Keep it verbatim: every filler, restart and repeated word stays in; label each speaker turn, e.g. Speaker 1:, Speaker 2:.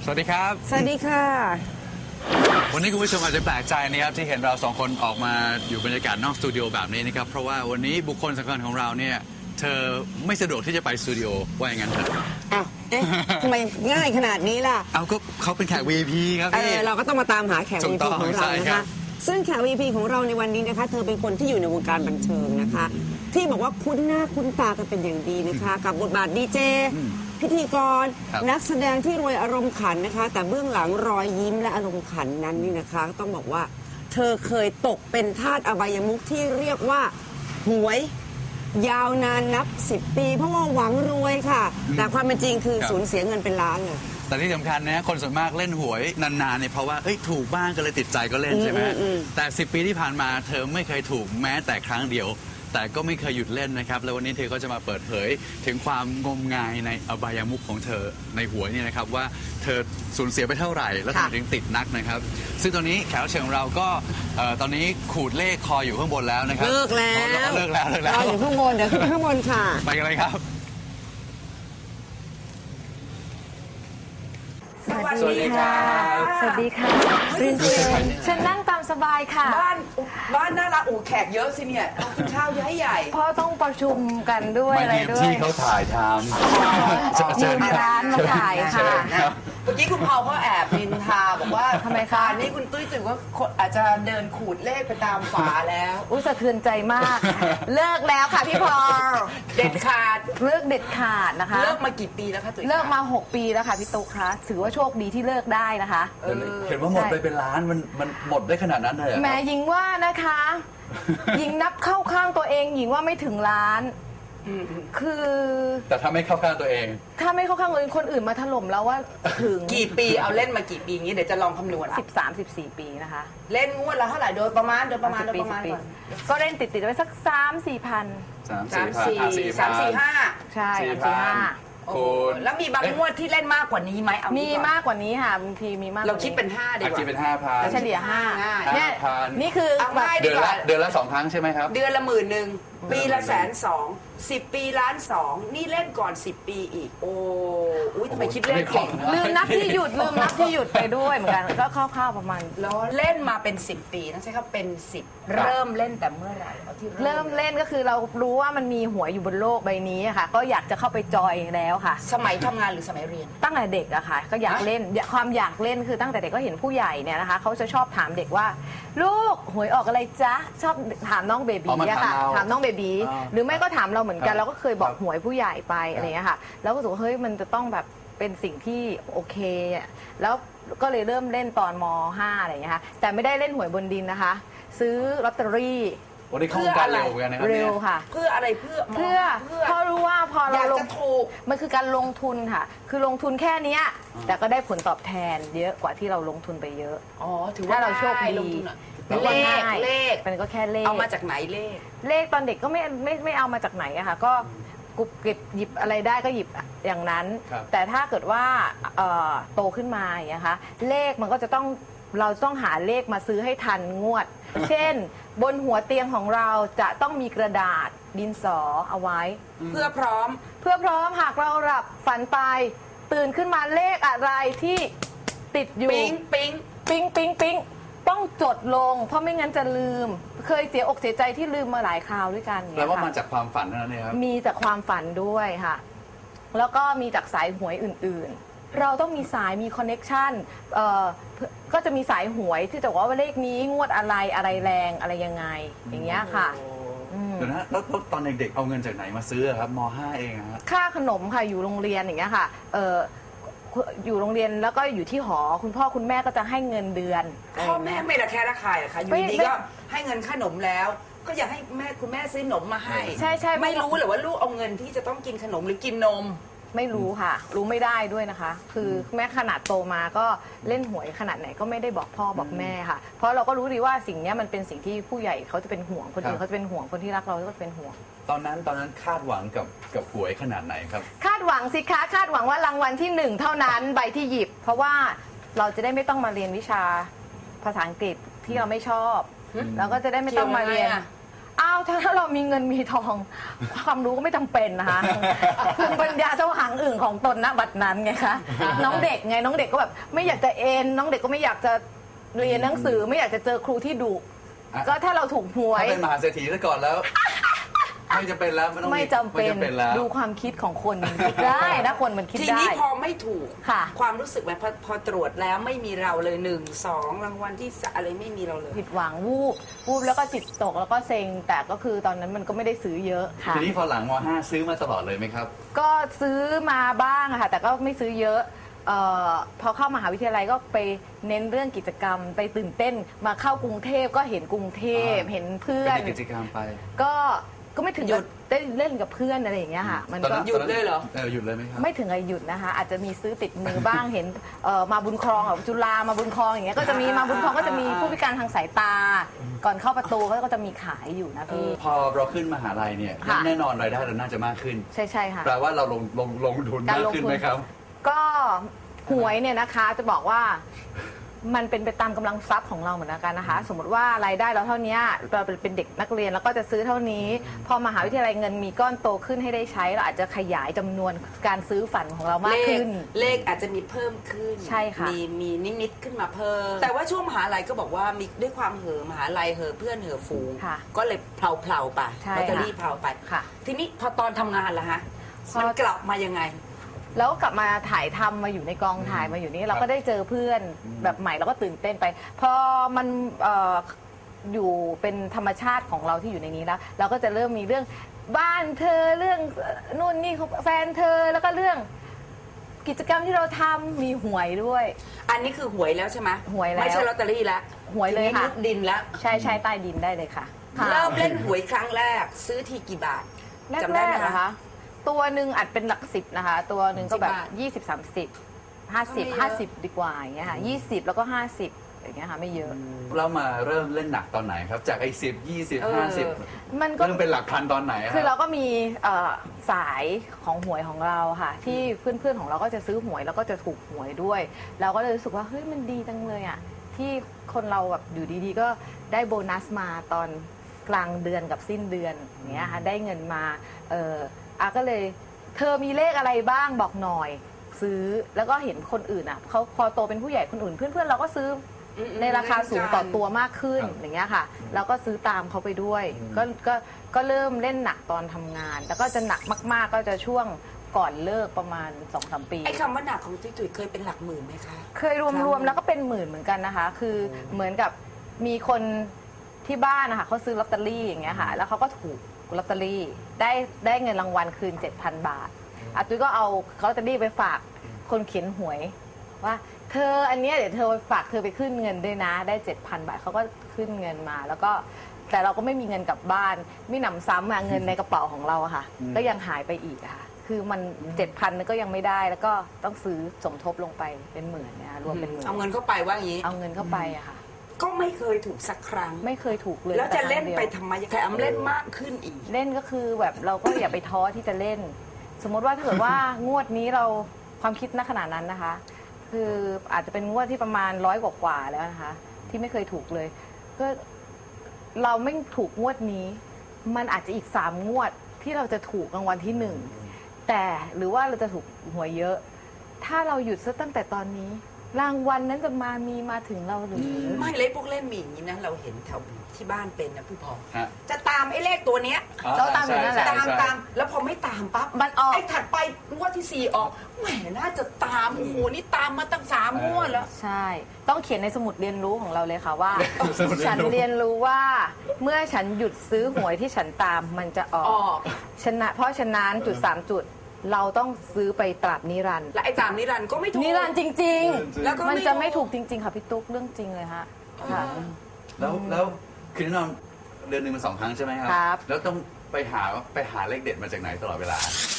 Speaker 1: วัสดีครับ
Speaker 2: สวัสดีค่ะ
Speaker 1: วันนี้คุณผู้ชมอาจจะแปลกใจนะครับที่เห็นเราสองคนออกมาอยู่บรรยากาศนอกสตูดิโอแบบนี้นะครับเพราะว่าวันนี้บุคคลสำคัญของเราเนี่ยเธอไม่สะดวกที่จะไปสตูดิโอว่าอย่างนั้นเถอะ
Speaker 2: อ้าวเอ๊ะทำไมง่ายขนาดนี้ล่ะ
Speaker 1: เอาก็เขาเป็นแขก วี ไอ พี ครับพี่
Speaker 2: เราก็ต้องมาตามหาแขก วี ไอ พี ของเรานะคะซึ่งแขก วี ไอ พี ของเราในวันนี้นะคะเธอเป็นคนที่อยู่ในวงการบันเทิงนะคะที่บอกว่าคุ้นหน้าคุ้นตากันเป็นอย่างดีนะคะกับบทบาทดีเจพิธีกรนักแสดงที่รวยอารมณ์ขันนะคะแต่เบื้องหลังรอยยิ้มและอารมณ์ขันนั้นนี่นะคะต้องบอกว่าเธอเคยตกเป็นทาสอบายมุขที่เรียกว่าหวยยาวนานนับสิบปีเพราะว่าหวังรวยค่ะแต่ความเป็นจริงคือสูญเสียเงินเป็นล้านเลย
Speaker 1: แต่ที่สำคัญนะคนส่วนมากเล่นหวยนานๆเนี่ยเพราะว่าเอ้ยถูกบ้างก็เลยติดใจก็เล่นใช่ไหมแต่สิบปีที่ผ่านมาเธอไม่เคยถูกแม้แต่ครั้งเดียวแต่ก็ไม่เคยหยุดเล่นนะครับแล้ววันนี้เธอก็จะมาเปิดเผยถึงความงมงายในอบายมุขของเธอในหวยนี่นะครับว่าเธอสูญเสียไปเท่าไหร่แล้วทำไมถึงติดนักนะครับซึ่งตอนนี้แขกรับเชิญของเราก็ตอนนี้ขูดเลขคออยู่ข้างบนแล้วนะครับ
Speaker 2: เลิกแล้ว
Speaker 1: เลิกแล้วเลิกแล้ว
Speaker 2: รออยู่ข้างบนเดี๋ยวขึ้นไปข้างบนค่ะ
Speaker 1: ไปกันเลยครับ
Speaker 3: สวัสดีค่ะสวัสดีค่ะเรียนเชิญฉันนั่งตามสบายค่ะ
Speaker 4: บ้านบ้านน่ารักโอ้แขกเยอะสิเนี่ยต้องกินข้าวใหญ่ใหญ่
Speaker 3: เพราะต้องประชุมกันด้วยอะไรด้วย
Speaker 1: ที่เขาถ่ายทำ
Speaker 3: มีร้านมาถ่ายค่ะ
Speaker 4: เมื่อกี้คุณพอลก็แอบนินทาบอกว่า
Speaker 3: ทำไมคะ
Speaker 4: นี่คุณตุ้ยตื่นว่าอาจจะเดินขูดเลขไปตามฝาแล้ว
Speaker 3: อุ้ยสะเทือนใจมากเลิกแล้วค่ะพี่พอล
Speaker 4: เด็ดขาด
Speaker 3: เลิกเด็ดขาดนะคะ
Speaker 4: เลิกมากี่ปีแล้วคะตุ้ย
Speaker 3: เลิกมาหกปีแล้วค่ะพี่ตุ๊กคะถือว่าโชคดีที่เลิกได้นะคะ
Speaker 1: เห็นว่าหมดไปเป็นล้านมันมันหมดได้ขนาดนั้นเลย
Speaker 3: แหมหญิงว่านะคะหญิงนับเข้าข้างตัวเองหญิงว่าไม่ถึงล้านคือ
Speaker 1: แต่ถ้าไม่เข้าข้างตัวเอง
Speaker 3: ถ้าไม่เข้าข้างคนอื่นมาถล่มแล้วว่าถึง
Speaker 4: กี่ปีเอาเล่นมากี่ปีงี้เดี๋ยวจะลองคำนวณ
Speaker 3: สิบสามสิบสี่ปีนะคะ
Speaker 4: เล่นงวดละเท่าไหร่โดยประมาณโดยประมาณโดยประมาณ
Speaker 3: ก็เล่นติดติดไว้สักสามสี่พัน
Speaker 1: สาม
Speaker 4: สี่สามสี่ห้า
Speaker 3: ใช่สามสี่ห้า
Speaker 4: แล้วมีบางงวดที่เล่นมากกว่านี้ไหม
Speaker 3: มีมากกว่านี้ค่ะบางทีมีมาก
Speaker 4: เราคิดเป็นห้าดีกว่า
Speaker 1: คิดเป็นห้าพัน
Speaker 3: เฉลี่ยห้าเนี่ยนี่คือ
Speaker 1: เดือนละเดือนละสองครั้งใช่ไหมครับ
Speaker 4: เดือนละหมื่นหนึ่งปีละแสนสองสิบปีล้านสองนี่เล่นก่อนสิบปีอีกโอ้อุ้ยทำไมคิดเลขเก่ง
Speaker 3: ลืมนับที่หยุดลืมนับที่หยุดไปด้วยเหมือนกันก็คร่าวๆประมาณ
Speaker 4: แล้วเล่นมาเป็นสิบปีนะใช่ครับเป็นสิบเริ่มเล่นแต่เมื่อไหร่
Speaker 3: เริ่มเล่นก็คือเรารู้ว่ามันมีหวยอยู่บนโลกใบนี้ค่ะก็อยากจะเข้าไปจอยแล้วค่ะ
Speaker 4: สมัยทำงานหรือสมัยเรียน
Speaker 3: ตั้งแต่เด็กอะค่ะก็อยากเล่นความอยากเล่นคือตั้งแต่เด็กก็เห็นผู้ใหญ่เนี่ยนะคะเขาจะชอบถามเด็กว่าลูกหวยออกอะไรจ๊ะชอบถามน้องเบบีอะค่ะถามน้องเบบีหรือไม่ก็ถามเราเหมือนกันเราก็เคยบอกหวยผู้ใหญ่ไปอะไรอย่างเงี้ยค่ะแล้วก็รู้สึกว่าเฮ้ยมันจะต้องแบบเป็นสิ่งที่โอเคอ่ะแล้วก็เลยเริ่มเล่นตอนม.ห้า อะไรอย่างเงี้ยค่ะแต่ไม่ได้เล่นหวยบนดินนะคะซื้อลอตเตอรี่
Speaker 1: วันนี้เข้าการเร็วกันนะครับ
Speaker 3: เร็วค่ะ
Speaker 4: เพื่ออะไรเพื่อ
Speaker 3: เพื่อเพราะรู้ว่าพอเราลง
Speaker 4: ถูก
Speaker 3: มันคือการลงทุนค่ะคือลงทุนแค่นี้แต่ก็ได้ผลตอบแทนเยอะกว่าที่เราลงทุนไปเยอะ
Speaker 4: อ๋อถือว่า
Speaker 3: เราโชคดี
Speaker 4: เลขเลข
Speaker 3: เป็นก็แค่เลข
Speaker 4: เอามาจากไหนเลข
Speaker 3: เลขตอนเด็กก็ไม่ไม่ไม่เอามาจากไหนอะค่ะก็กุบเก็บหยิบอะไรได้ก็หยิบอย่างนั้นแต่ถ้าเกิดว่าโตขึ้นมาอย่างนี้ค่ะเลขมันก็จะต้องเราต้องหาเลขมาซื้อให้ทันงวดเช่นบนหัวเตียงของเราจะต้องมีกระดาษดินสอเอาไว้
Speaker 4: เพื่อพร้อม
Speaker 3: เพื่อพร้อมหากเราหลับฝันไปตื่นขึ้นมาเลขอะไรที่ติดอยู่
Speaker 4: ปิ๊งปิ๊ง
Speaker 3: ปิ๊งปิ๊งปิ๊งต้องจดลงเพราะไม่งั้นจะลืมเคยเสียอกเสียใจที่ลืมมาหลายคราวด้วยกัน
Speaker 1: แปลว่ามาจากความฝันนั่นเองครับ
Speaker 3: มีจากความฝันด้วยค่ะแล้วก็มีจากสายหวยอื่นๆเราต้องมีสายมีคอนเน็กชันก็จะมีสายหวยที่จะบอกว่าเลขนี้งวดอะไรอะไรแรงอะไรยังไงอย่างเงี้ยค่ะ
Speaker 1: เดี๋ยวนะแล้วตอนเด็กๆเอาเงินจากไหนมาซื้อครับม.ห้า เองครับ
Speaker 3: ค่าขนมค่ะอยู่โรงเรียนอย่างเงี้ยค่ะอยู่โรงเรียนแล้วก็อยู่ที่หอคุณพ่อคุณแม่ก็จะให้เงินเดือน
Speaker 4: พ่อแม่ไม่ละแค่ละคายเหรอคะอยู่ดีก็ให้เงินขนมแล้วก็อยากให้แม่คุณแม่ซื้อขนมมาให้
Speaker 3: ใช่ใช่
Speaker 4: ไม่รู้หรือว่าลูกเอาเงินที่จะต้องกินขนมหรือกินนม
Speaker 3: ไม่รู้ค่ะรู้ไม่ได้ด้วยนะคะคือแม่ขนาดโตมาก็เล่นหวยขนาดไหนก็ไม่ได้บอกพ่อบอกแม่ค่ะเพราะเราก็รู้ดีว่าสิ่งนี้มันเป็นสิ่งที่ผู้ใหญ่เขาจะเป็นห่วงคนอื่นเขาจะเป็นห่วงคนที่รักเราก็จะเป็นห่วง
Speaker 1: ตอนนั้นตอนนั้นคาดหวังกับกับหวยขนาดไหนครับ
Speaker 3: คาดหวังสิคะคาดหวังว่ารางวัลที่หนึ่งเท่านั้นใบที่หยิบเพราะว่าเราจะได้ไม่ต้องมาเรียนวิชาภาษาอังกฤษที่เราไม่ชอบแล้วก็จะได้ไม่ต้องมาเรียน เอ้าาวถ้าถ้าเรามีเงินมีทอง ความรู้ก็ไม่จำเป็นนะคะภูมิปัญญาเจ้าหางอื่นของตนณบัดนั้นไงคะน้องเด็กไงน้องเด็กก็แบบไม่อยากจะเอ็นน้องเด็กก็ไม่อยากจะเรียนหนังสือไม่อยากจะเจอครูที่ดุก็ถ้าเราถูกหวย
Speaker 1: ถ้าเป็นมหาเศรษฐีซะก่อนแล้ว ไม่จำเป็นแล้วไม่ต้อง
Speaker 3: ไม่จำเป็น
Speaker 1: ไม่จำเป็นแล้ว
Speaker 3: ดูความคิดของคนมันคิดได้นะคนมันคิด
Speaker 4: ที
Speaker 3: ได้
Speaker 4: นี้พอไม่ถูก
Speaker 3: ค่ะ
Speaker 4: ความรู้สึกแบบพอพอตรวจแล้วไม่มีเราเลยหนึ่งสองรางวัลที่สามอะไรไม่มีเราเลย
Speaker 3: ผิดหวังวูบวูบแล้วก็จิตตกแล้วก็เซ็งแต่ก็คือตอนนั้นมันก็ไม่ได้ซื้อเยอะค่ะ
Speaker 1: ทีนี้พอหลังม .ห้า ซื้อมาตลอดเลยไหมครับ
Speaker 3: ก็ซื้อมาบ้างอะค่ะแต่ก็ไม่ซื้อเยอะเออพอเข้ามหาวิทยาลัยก็ไปเน้นเรื่องกิจกรรม ไปตื่นเต้นมาเข้ากรุงเทพก็เห็นกรุงเทพ
Speaker 1: อ่า
Speaker 3: เห็นเพื่อ
Speaker 1: เป็น นกิจกรรมไป
Speaker 3: ก็ก็ไม่ถึง
Speaker 4: หยุด
Speaker 3: ได้เล่นกับเพื่อนอะไรอย่างเงี้ยค่ะมัน
Speaker 1: ตอน
Speaker 3: ก็
Speaker 1: นั้น
Speaker 4: หยุดเลยเหรอ
Speaker 1: เออหยุดเลยไหมครับ
Speaker 3: ไม่ถึงกับหยุดนะคะ อาจจะมีซื้อติดมือบ้าง เห็นเอ่อมาบุญครองแบบจุฬามาบุญครองอย่างเงี้ยก็จะมีมาบุญครองก็จะมีผู้พิการทางสายตา ก่อนเข้าประตูเขาก็จะมีขายอยู่นะพี่
Speaker 1: พอเราขึ้นมหาลัยเนี่ย
Speaker 3: ค่ะ
Speaker 1: แน่นอนรายได้เราน่าจะมากขึ้น
Speaker 3: ใช่ใช่ค่ะ
Speaker 1: แปลว่าเราลงลงลงทุน
Speaker 3: การ
Speaker 1: มาก
Speaker 3: ลงทุน
Speaker 1: ขึ้นไหมครับ
Speaker 3: ก็หวยเนี่ยนะคะจะบอกว่ามันเป็นไปตามกำลังทรัพย์ของเราเหมือนกันนะคะ สมมติว่ารายได้เราเท่านี้เราเป็นเด็กนักเรียนแล้วก็จะซื้อเท่านี้ พอมหาวิทยาลัยเงินมีก้อนโตขึ้นให้ได้ใช้เราอาจจะขยายจำนวนการซื้อฝันของเรามาก
Speaker 4: เลข
Speaker 3: ขึ้น
Speaker 4: เลขอาจจะมีเพิ่มขึ้น
Speaker 3: ใช่ค่ะ
Speaker 4: มีมีนิดๆขึ้นมาเพิ่ม แต่ว่าช่วงมหาลัยก็บอกว่ามีด้วยความเห่อะมหาลัยเห่อะเพื่อนเห่อะฝูง
Speaker 3: ค่ะ
Speaker 4: ก็เลยเพลาๆไป
Speaker 3: ใช่
Speaker 4: ลอตเตอ
Speaker 3: ค่ะ
Speaker 4: รี่เพลาไป
Speaker 3: ค่ะ
Speaker 4: ทีนี้พอตอนทำงานล่ะฮะ
Speaker 3: พอ
Speaker 4: มันกลับมายังไง
Speaker 3: แล้วกลับมาถ่ายทำมาอยู่ในกองถ่ายมาอยู่นี่เราก็ได้เจอเพื่อนแบบใหม่เราก็ตื่นเต้นไป พอมันเอ่ออยู่เป็นธรรมชาติของเราที่อยู่ในนี้แล้ว เราก็จะเริ่มมีเรื่องบ้านเธอเรื่องนู่นนี่ของแฟนเธอแล้วก็เรื่องกิจกรรมที่เราทำมีหวยด้วย
Speaker 4: อันนี้คือหวยแล้วใช่ไหม
Speaker 3: หวยแล้ว
Speaker 4: ไม่ใช่ลอตเตอรี่แล้ว
Speaker 3: หวยเลย
Speaker 4: ทีนี้
Speaker 3: ค่ะ
Speaker 4: มุดดินแล้ว
Speaker 3: ใช่ใช่ใต้ดินได้เลยค่ะ
Speaker 4: เริ่มเล่นหวยครั้งแรก ซื้อทีกี่บาท
Speaker 3: แรก
Speaker 4: จำ
Speaker 3: แร
Speaker 4: ได้
Speaker 3: ก
Speaker 4: ไหม
Speaker 3: เหรอ
Speaker 4: คะ
Speaker 3: คะตัวหนึ่งอาจเป็นหลักสิบนะคะ ตัวหนึ่งก็แบบ
Speaker 4: สิบบาท
Speaker 3: ยี่สิบสามสิบห้าสิบ
Speaker 4: ก็ไม่เยอะ
Speaker 3: ห้าสิบดีกว่าอย่างเงี้ยค่ะยี่สิบแล้วก็ห้าสิบอย่างเงี้ยค่ะไม่เยอะ
Speaker 1: เรามาเริ่มเล่นหนักตอนไหนครับ จากไอ้สิบยี่สิบห้าสิบ
Speaker 3: มันก็
Speaker 1: เริ่มเป็นหลักพันตอนไหนอะ
Speaker 3: คือเราก็มีเอ่อสายของหวยของเราค่ะ ที่เพื่อนๆของเราก็จะซื้อหวยแล้วก็จะถูกหวยด้วย เราก็เลยรู้สึกว่าเฮ้ยมันดีจังเลยอ่ะที่คนเราแบบอยู่ดีๆ ก็ได้โบนัสมาตอนกลางเดือนกับสิ้นเดือนอย่างเงี้ยค่ะได้เงินมาเอออาก็เลยเธอมีเลขอะไรบ้างบอกหน่อย ซื้อแล้วก็เห็นคนอื่นอ่ะเขาพอโตเป็นผู้ใหญ่คนอื่น เพื่อนๆเราก็ซื้ออ
Speaker 4: ม
Speaker 3: ในราคาสูงต่อ
Speaker 4: เล่นกัน
Speaker 3: ตัวมากขึ้น
Speaker 1: ครับ
Speaker 3: อย่างเงี้ยค่ะเราก็ซื้อตามเขาไปด้วยก็ก็ก็เริ่มเล่นหนักตอนทำงาน แล้วก็จะหนักมาก ๆ ก็จะช่วงก่อนเลิกประมาณ สองสาม ปี
Speaker 4: ไอ้คำว่าหนักของตุ้ยตุ้ยเคยเป็นหลักหมื่นไหมคะ
Speaker 3: เคยรวมๆแล้วก็เป็นหมื่นเหมือนกันนะคะ คือเหมือนกับมีคนที่บ้านนะคะเขาซื้อลอตเตอรี่อย่างเงี้ยค่ะแล้วเขาก็ถูกลอตเตอรี่ได้ได้เงินรางวัลคืน เจ็ดพัน บาทอาตุ้ยก็เอาลอตเตอรี่ไปฝากคนเขียนหวยว่าเธออันเนี้ยเดี๋ยวเธอฝากเธอไปขึ้นเงินด้วยนะได้ เจ็ดพัน บาทเขาก็ขึ้นเงินมา แล้วก็แต่เราก็ไม่มีเงินกลับบ้านไม่หนำซ้ำอะเงินในกระเป๋าของเราอะค่ะ ก็ยังหายไปอีกอะค่ะคือมัน เจ็ดพัน ก็ยังไม่ได้แล้วก็ต้องซื้อสมทบลงไปเป็นหมื่นเนี่ยรวมเป็นหมื่น
Speaker 4: เอาเงินเข้าไปว่าอย่างนี้
Speaker 3: เอาเงินเข้าไปอะค่ะ
Speaker 4: ก็ไม่เคยถูกสักครั้ง
Speaker 3: ไม่เคยถูกเลย
Speaker 4: แล้วจะเล่น
Speaker 3: แต่ครั้งดียว
Speaker 4: ไปทำไมแถมเล่นมากขึ้นอีก
Speaker 3: เล่นก็คือแบบเราก็อย่าไปท้อที่จะเล่น สมมติว่าถ้าเกิดว่างวดนี้เราความคิดณขณะนั้นนะคะ คืออาจจะเป็นงวดที่ประมาณร้อยกว่าๆแล้วนะคะ ที่ไม่เคยถูกเลยก็เราไม่ถูกงวดนี้ มันอาจจะอีกสามงวดที่เราจะถูกรางวัลที่หนึ่งแต่หรือว่าเราจะถูกหวยเยอะ ถ้าเราหยุดซะตั้งแต่ตอนนี้ รางวัลนั้นจะมามีมาถึงเราหรือ
Speaker 4: ไม่เล่นพวกเล่นมีอย่างนี้นะเราเห็นแถวที่บ้านเป็นนะผู้พอง
Speaker 1: ฮะ
Speaker 4: จะตามไอ้เลขตัวเนี้ย
Speaker 1: อ๋อ
Speaker 3: เราตามอยู่นั่นแหละ
Speaker 1: ใช่
Speaker 4: ตาม
Speaker 1: ใช่
Speaker 4: ตามแล้วพอไม่ตามปั๊บ
Speaker 3: มันออก
Speaker 4: ไอ้ถัดไปงวดที่สี่ออกแหมน่าจะตามโอ้โหนี่ตามมาตั้งสามงวดแล้ว
Speaker 3: ใช่ ต้องเขียนในสมุดเรียนรู้ของเราเลยค่ะว่า
Speaker 1: สมุดเรียนรู้
Speaker 3: ฉันเรียนรู้ว่าเมื่อฉันหยุดซื้อหวยที่ฉันตามมันจะออ
Speaker 4: ออก
Speaker 3: กชนะเพราะฉะนั้นจุดสามจุด เราต้องซื้อไปตราบนิรันดร์
Speaker 4: และไอ้ตามนิรันดร์ก็ไม่ถูก
Speaker 3: นิรันดร์จริง
Speaker 4: แล้วก็
Speaker 3: ๆ
Speaker 4: ไม่
Speaker 3: มันจะไม่
Speaker 4: ถู
Speaker 3: ถู
Speaker 4: ก
Speaker 3: กจริง ๆ ค่ะพี่ตุ๊กเรื่องจริงเลยฮะค่ะ
Speaker 1: แล้วแล้วคือแน่นอนเดือนหนึ่งมันสองครั้งใช่ไหมครั
Speaker 3: ครับ
Speaker 1: แล้วต้องไปหาไปหาเลขเด็ดมาจากไหนตลอดเวลา